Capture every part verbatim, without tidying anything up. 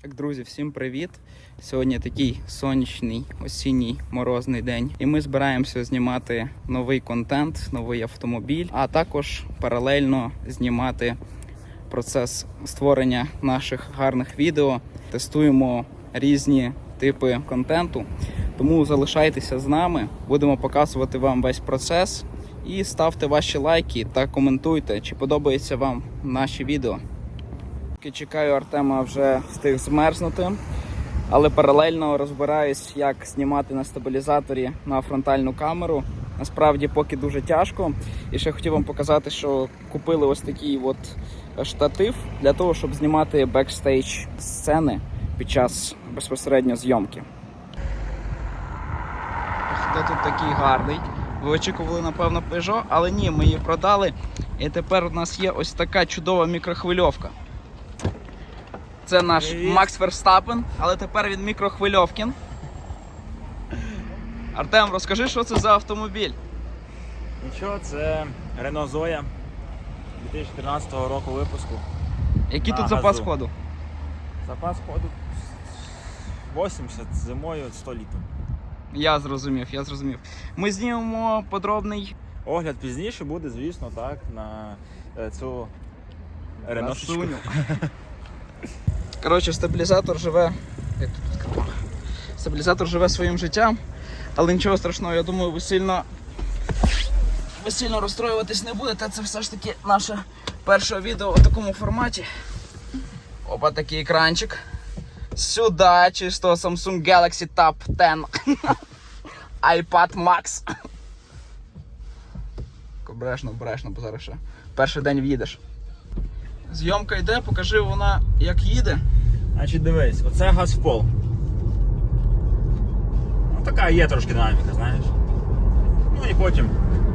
Так, друзі, всім привіт! Сьогодні такий сонячний, осінній, морозний день. І ми збираємося знімати новий контент, новий автомобіль, а також паралельно знімати процес створення наших гарних відео. Тестуємо різні типи контенту. Тому залишайтеся з нами, будемо показувати вам весь процес. І ставте ваші лайки та коментуйте, чи подобається вам наші відео. Чекаю Артема, вже встиг змерзнути, але паралельно розбираюсь, як знімати на стабілізаторі на фронтальну камеру. Насправді поки дуже тяжко. І ще хотів вам показати, що купили ось такий от штатив для того, щоб знімати бекстейдж сцени під час безпосередньо зйомки. Хто тут такий гарний? Ви очікували, напевно, Peugeot, але ні, ми її продали. І тепер у нас є ось така чудова мікрохвильовка. Це наш Привіт. Макс Верстапен, але тепер він мікрохвильовкін. Артем, розкажи, що це за автомобіль? Нічого, це Renault Zoe дві тисячі тринадцятого року випуску. Який На тут запас газу. ходу? Запас ходу вісімдесят, зимою сто літрів. Я зрозумів, я зрозумів. Ми знімемо подробний Огляд пізніше буде, звісно, так, на е, цю Реношечку. Красуню. Коротше, стабілізатор живе. Як тут відкривав? Стабілізатор живе своїм життям, але нічого страшного, я думаю, ви сильно ви сильно розстроюватись не будете. Це все ж таки наше перше відео у такому форматі. Опа, такий екранчик. Сюди чисто Samsung Galaxy Tab десять. iPad Max. Обережно, обережно, бо зараз ще перший день в'їдеш. Зйомка йде, покажи вона як їде. Значить, дивись, оце газ в пол. Ну, така є трошки динаміка, знаєш. Ну і потім.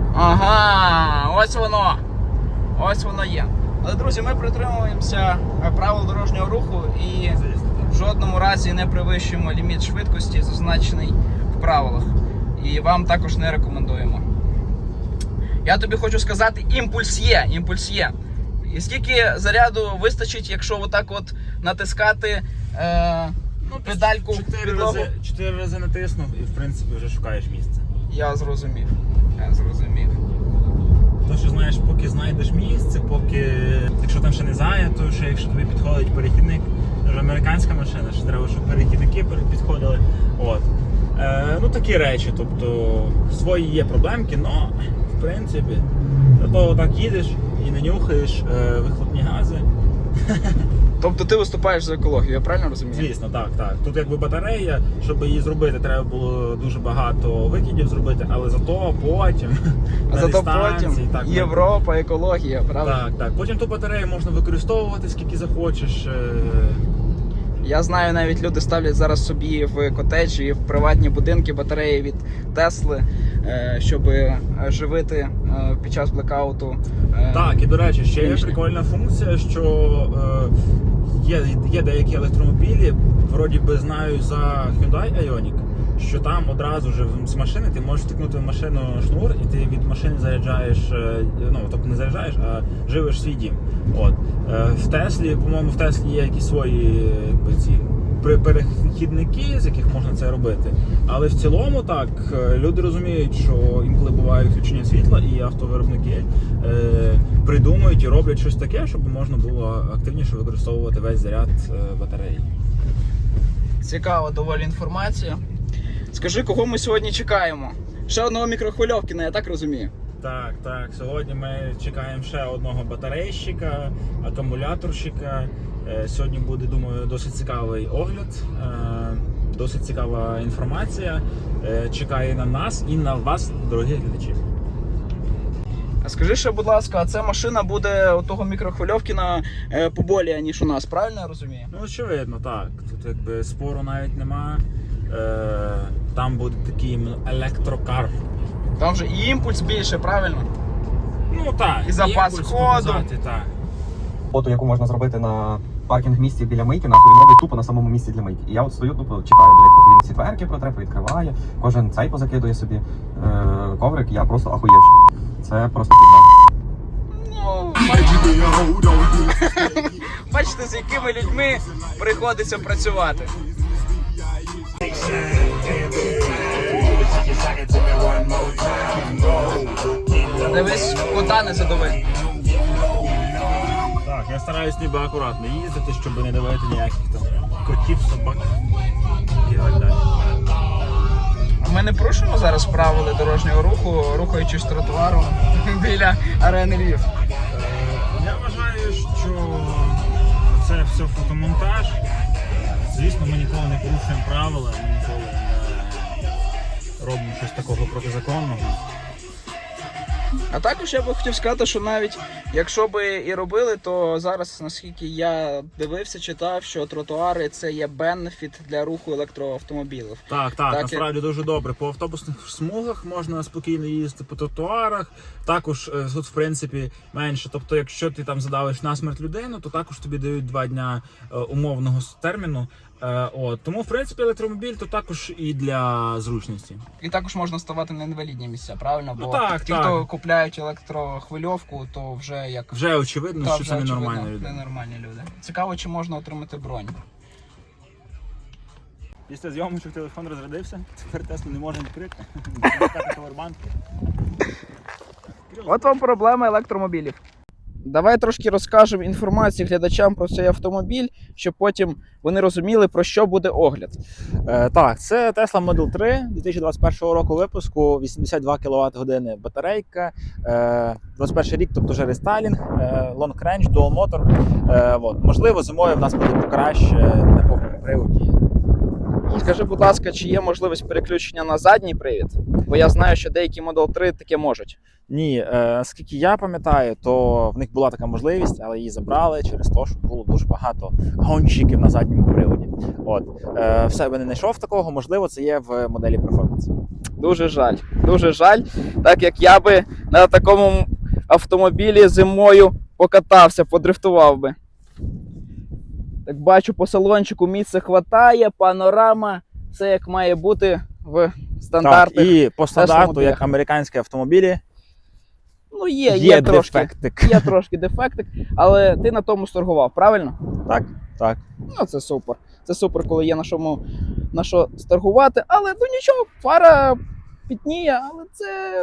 Ага, ось воно. Ось воно є. Але, друзі, ми притримуємося правил дорожнього руху і в жодному разі не перевищуємо ліміт швидкості, зазначений в правилах. І вам також не рекомендуємо. Я тобі хочу сказати, імпульс є, імпульс є. І скільки заряду вистачить, якщо отак от натискати е, Ну, педальку в чотири підлогу? рази, чотири рази натиснув і, в принципі, вже шукаєш місце. Я зрозумів. Я зрозумів. То, що, знаєш, поки знайдеш місце, поки, якщо там ще не зайнято, ще якщо тобі підходить перехідник, це ж американська машина, що треба, щоб перехідники підходили. От. Е, ну, такі речі, тобто, свої є проблемки, але, в принципі, то так їдеш і не нюхаєш е, вихлопні гази. Тобто ти виступаєш за екологію, я правильно розумію? Звісно, так, так. Тут якби батарея, щоб її зробити, треба було дуже багато викидів зробити, але зато потім А на зато дистанції, потім так, Європа, екологія, правда? Так, так. Потім ту батарею можна використовувати скільки захочеш. Я знаю, навіть люди ставлять зараз собі в котеджі, в приватні будинки батареї від Тесли, щоб живити під час блекауту. Так, і до речі, ще є Фінішні. прикольна функція, що е, є, є деякі електромобілі, вроді би знаю за Hyundai Ioniq, що там одразу ж з машини ти можеш втикнути в машину шнур і ти від машини заряджаєш, е, ну тобто не заряджаєш, а живиш свій дім. От. Е, в Теслі, по-моєму, в Теслі є якісь свої якби, ці перехідники, з яких можна це робити. Але в цілому так, люди розуміють, що інколи буває відключення світла, і автовиробники е, придумують і роблять щось таке, щоб можна було активніше використовувати весь заряд е, батареї. Цікава доволі інформація. Скажи, кого ми сьогодні чекаємо? Ще одного мікрохвильовкіна, я так розумію. Так, так. Сьогодні ми чекаємо ще одного батарейщика, акумуляторщика. Е, Сьогодні буде, думаю, досить цікавий огляд, е, досить цікава інформація. Е, Чекає на нас і на вас, дорогі глядачі. А скажи ще, будь ласка, а ця машина буде у того мікрохвильовкіна поболіє, ніж у нас, правильно я розумію? Ну, очевидно, так. Тут якби спору навіть нема. Е, Там буде такий іменно електрокар. Там же і імпульс більше, правильно? Ну так, І запас імпульс ходу. показати, так. Фото, яку можна зробити на паркінг-місці біля мийки, нахуй він робить тупо на самому місці для мийки. І я от стою тупо чекаю, блядь, поки він ці дверки протре, відкриває, кожен цей позакидує собі е- коврик, я просто ахуєвши. Це просто пізда. Ну, Бачите, з якими людьми приходиться працювати. Дивись, кота не задови. Так, я стараюсь ніби акуратно їздити, щоб не давати ніяких там котів, собак і так далі. Ми не порушуємо зараз правила дорожнього руху, рухаючись тротуаром біля арени Львів. Я вважаю, що це все фотомонтаж. Звісно, ми ніколи не порушуємо правила, ми ніколи не робимо щось такого протизаконного. А також я би хотів сказати, що навіть якщо би і робили, то зараз, наскільки я дивився, читав, що тротуари це є бенефіт для руху електроавтомобілів. Так, так, Так, насправді дуже добре. По автобусних смугах можна спокійно їздити, по тротуарах. Також е, тут, в принципі, менше. Тобто, якщо ти там задавиш насмерть людину, то також тобі дають два дня е, умовного с- терміну. Е, от. Тому, в принципі, електромобіль то також і для зручності. І також можна ставати на інвалідні місця, правильно? Бо Ну, так, ті, так. хто купляють електрохвильовку, то вже як Вже очевидно, та, що вже це очевидно, ненормальні люди. ненормальні люди. Цікаво, чи можна отримати бронь. Після зйомочок телефон розрядився, тепер Теслу не можна відкрити. Повербанк. От вам проблема електромобілів. Давай трошки розкажемо інформацію глядачам про цей автомобіль, щоб потім вони розуміли, про що буде огляд. Е, так, це Tesla Model три дві тисячі двадцять першого року випуску, вісімдесят два кіловат години батарейка, е, двадцять перший рік, тобто вже рестайлінг, е, long range, dual motor. Е, от. Можливо, зимою в нас буде покраще на повному приводі. Скажи, будь ласка, чи є можливість переключення на задній привід? Бо я знаю, що деякі Model три таке можуть. Ні, е, скільки я пам'ятаю, то в них була така можливість, але її забрали через те, що було дуже багато гонщиків на задньому приводі. От. Е, в себе не знайшов такого, можливо, це є в моделі Performance. Дуже жаль. Дуже жаль, так як я би на такому автомобілі зимою покатався, подрифтував би. Так бачу, по салончику місця хватає, панорама, все як має бути в стандартних. Так, і по стандарту, автомобілях. як американські автомобілі, Ну є, є, є трошки, дефектик. є трошки дефектик, але ти на тому сторгував, правильно? Так, так. Ну це супер. Це супер, коли є на чому на що сторгувати, але ну нічого, фара пітніє, але це.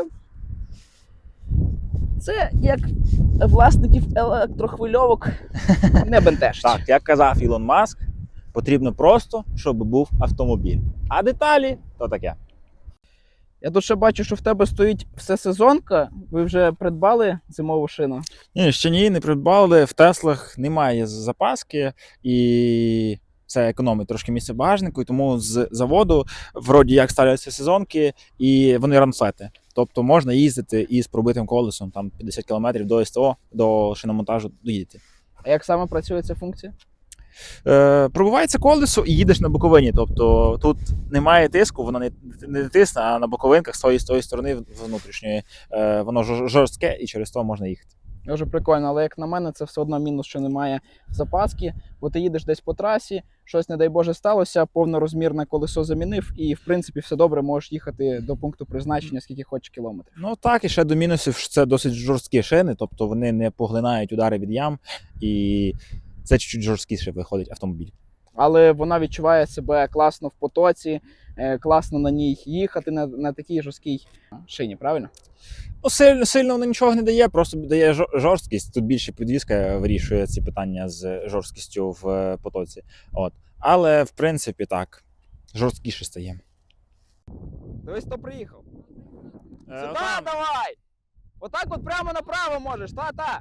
Це як власників електрохвильовок не бентежить. Так, як казав Ілон Маск, потрібно просто, щоб був автомобіль. А деталі то таке. Я тут ще бачу, що в тебе стоїть всесезонка. Ви вже придбали зимову шину? Ні, ще ні, не придбали. В Теслах немає запаски і це економить трошки місце в багажнику, і тому з заводу вроді як ставляться сезонки і вони рамфлети. Тобто можна їздити із пробитим колесом там п'ятдесят кілометрів до СТО, до шиномонтажу доїдете. А як саме працює ця функція? Е, пробивається колесо і їдеш на боковині. Тобто тут немає тиску, воно не, не тисне, а на боковинках з тої, з тої сторони внутрішньої е, воно жор- жорстке і через то можна їхати. Дуже прикольно, але як на мене, це все одно мінус, що немає запаски, бо ти їдеш десь по трасі, щось, не дай Боже, сталося, повнорозмірне колесо замінив, і в принципі все добре, можеш їхати до пункту призначення, скільки хочеш кілометрів. Ну так, і ще до мінусів, що це досить жорсткі шини, тобто вони не поглинають удари від ям, і це чуть-чуть жорсткіше виходить автомобіль. Але вона відчуває себе класно в потоці, е, класно на ній їхати на, на такій жорсткій шині, правильно? Ну, сильно, сильно воно нічого не дає, просто дає жор- жорсткість. Тут більше підвізка вирішує ці питання з жорсткістю в е, потоці. От. Але, в принципі, так, жорсткіше стає. Дивись, хто приїхав. Е, Сюди отам. давай! Отак от прямо направо можеш, та-та!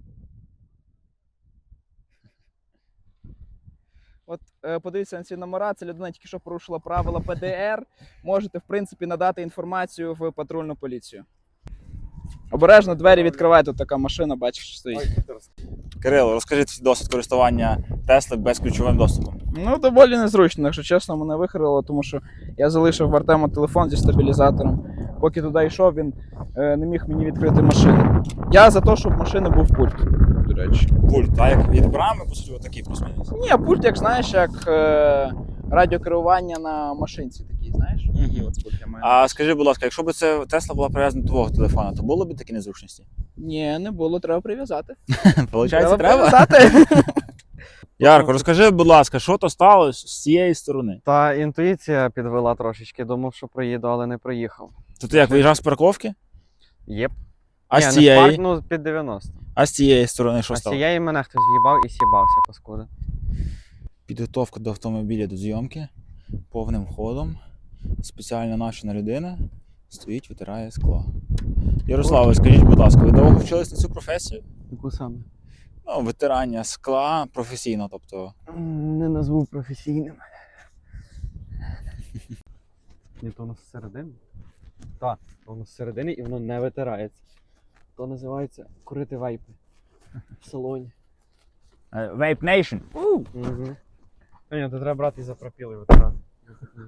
От е, подивіться на ці номера, це людина тільки що порушила правила Пе Де Ер. Можете, в принципі, надати інформацію в патрульну поліцію. Обережно двері відкривай, тут така машина, бачиш, що стоїть. Кирило, розкажи свій досвід користування Тесли безключовим доступом. Ну, доволі незручно, якщо чесно, мене вихрило, тому що я залишив в Артема телефон зі стабілізатором. Поки туди йшов, він е, не міг мені відкрити машину. Я за те, щоб в машини був пульт, до речі. Пульт, так, як від брами, по суті, отакий плюс-мінус. Ні, пульт, як знаєш, як е, радіокерування на машинці такий, знаєш? Мгм. Такий от пульт я маю. А скажи, будь ласка, якщо б це Тесла була прив'язана до твого телефона, то було б такі незручності? Ні, не було, треба прив'язати. Получається, треба? прив'язати. Ярко, розкажи, будь ласка, що то сталося з цієї сторони? Та інтуїція підвела трошечки, думав, що проїду, але не проїхав. То ти як виїжджав з парковки? Єп. А Ні, з не цієї? спарк, ну під дев'яносто. А з цієї сторони що А з стало? цієї мене хтось в'їбав і с'їбався, паскуда. Підготовка до автомобіля до зйомки повним ходом. Спеціально навчена людина стоїть, витирає скло. Ярославе, скажіть, будь ласка, ви довго вчились на цю професію? Яку саме? Ну, витирання скла професійно, тобто. Не назву професійним. Ні, то воно зсередини. Так, воно зсередини і воно не витирається. То називається курити вейпи в салоні. Vape Nation. Угу. Ні, то треба брати і за пропіли витирати.